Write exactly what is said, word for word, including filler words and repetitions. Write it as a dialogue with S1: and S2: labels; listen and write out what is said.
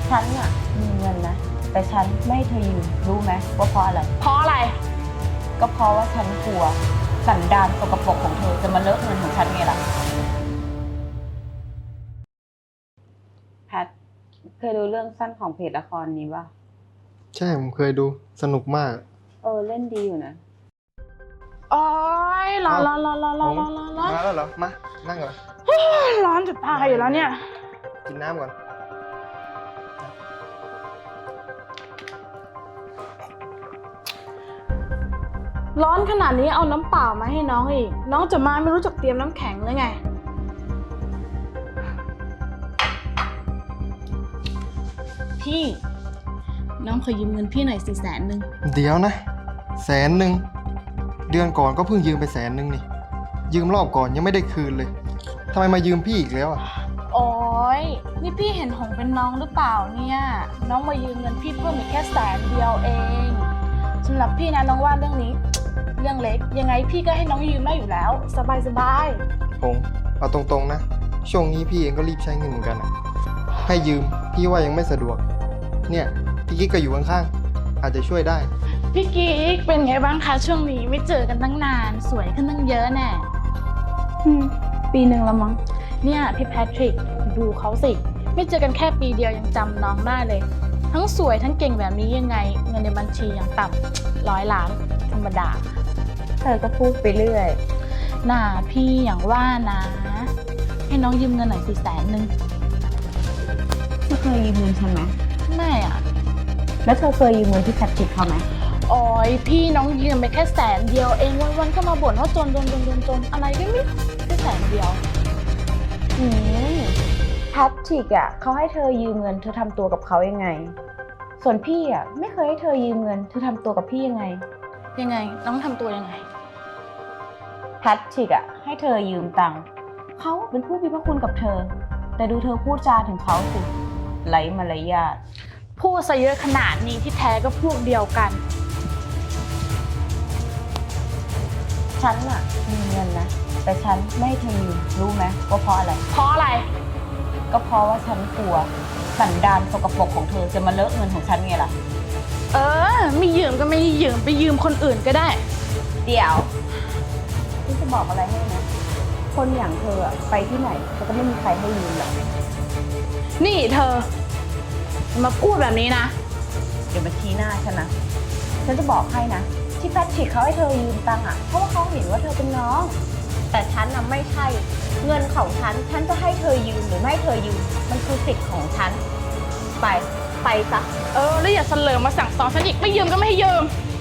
S1: ฉันอะมีเงินนะแต่ฉันไม่ให้เธอยืมรู้ไหมว่าเพราะอะไร
S2: เพราะอะไร
S1: ก็เพราะว่าฉันกลัวสันดานสกปรกของเธอจะมาเลอะเงินของฉันไงล่ะแพทเคยดูเรื่องสั้นของเพจละครนี้ป่ะ
S3: ใช่ผมเคยดูสนุกมาก
S1: เออเล่นดีอยู่นะ
S2: โอ้ยร้อนร้อนร้อนร้อนร้อนร้อนร้อนร้อน
S3: มาแล้วเหรอมานั่งก่อน
S2: ร้อนจะตายอยู่แล้วเนี่ย
S3: กินน้ำก่อน
S2: ร้อนขนาดนี้เอาน้ำเปล่ามาให้น้องอีกน้องจะมาไม่รู้จักเตรียมน้ำแข็งเลยไงพี่น้องขอยืมเงินพี่หน่อยสี่แสนหนึ่ง
S3: เดี๋ยวนะแสนหนึ่งเดือนก่อนก็เพิ่งยืมไปแสนหนึ่งนี่ยืมรอบก่อนยังไม่ได้คืนเลยทำไมมายืมพี่อีกแล้วอ่ะ
S2: โอ้ยนี่พี่เห็นหงเป็นน้องหรือเปล่าเนี่ยน้องมายืมเงินพี่เพิ่มอีกแค่แสนเดียวเองสำหรับพี่นะน้องว่าเรื่องนี้เรื่องเล็กยังไงพี่ก็ให้น้องยืมได้อยู่แล้วสบายสบาย
S3: พงเอาตรงๆนะช่วงนี้พี่เองก็รีบใช้เงินเหมือนกันอ่ะให้ยืมพี่ว่ายังไม่สะดวกเนี่ยพี่กิ๊กก็อยู่ข้างๆอาจจะช่วยได้
S2: พี่กิ๊กเป็นไงบ้างคะช่วงนี้ไม่เจอกันตั้งนานสวยขึ้นตั้งเยอะแน่
S1: ปีหนึ่งแล้วมั้ง
S2: เนี่ยพี่แพทริกดูเขาสิไม่เจอกันแค่ปีเดียวยังจำน้องได้เลยทั้งสวยทั้งเก่งแบบนี้ยังไงเงินในบัญชียังต่ำร้อยล้านธรรมดา
S1: เธอก็พูดไปเรื่อย
S2: น่าพี่อย่างว่านะให้น้องยืมเงินหน่อยสี่แสนหนึ่ง
S1: ไม่เคยยืมเงินฉันไหม
S2: ไม่อะ
S1: แล้วเธอเคยยืมเงินที่แพทริกเขาไหม
S2: โอ้ยพี่น้องยืมไปแค่แสนเดียวเองวันๆก็มาบ่นว่าจนจนจนจนจนอะไรก็ไม่แค่แสนเดียว
S1: อืมแพทริกอ่ะเขาให้เธอยืมเงินเธอทำตัวกับเขายังไงส่วนพี่อ่ะไม่เคยให้เธอยืมเงินเธอทำตัวกับพี่ยังไง
S2: ยังไงน้องทำตัวยังไง
S1: แพทริกอ่ะให้เธอยืมตังค์เขาเป็นผู้มีพระคุณกับเธอแต่ดูเธอพูดจาถึงเขาสิไร้มารยาท
S2: พูดซะเยอะขนาดนี้ที่แท้ก็พวกเดียวกัน
S1: ฉันอะมีเงินนะแต่ฉันไม่ให้เธอยืมรู้ไหมว่าเพราะอะไร
S2: เพราะอะไร
S1: ก็เพราะว่าฉันกลัวสันดานสกปรกของเธอจะมาเลอะเงินของฉันไงล่ะ
S2: เออไม่ยืมก็ไม่ยืมไปยืมคนอื่นก็ได้
S1: เดี๋ยวฉันจะบอกอะไรให้นะคนอย่างเธอไปที่ไหนก็ไม่มีใครให้ยืมหรอก
S2: นี่เธอมาพูดแบบนี้นะ
S1: เดี๋ยวมาชี้หน้าฉันนะฉันจะบอกให้นะที่แพทริกเขาให้เธอยืมตังค์อ่ะเพราะว่าเขาเห็นว่าเธอเป็นน้องแต่ฉันน่ะไม่ใช่เงินของฉันฉันจะให้เธอยืมหรือไม่ให้เธอยืมมันคือสิทธิ์ของฉันไปไปซะ
S2: เออแล้วอย่าเสลอมาสั่งสอนฉันอีกไม่ยืมก็ไม่ให้ยืม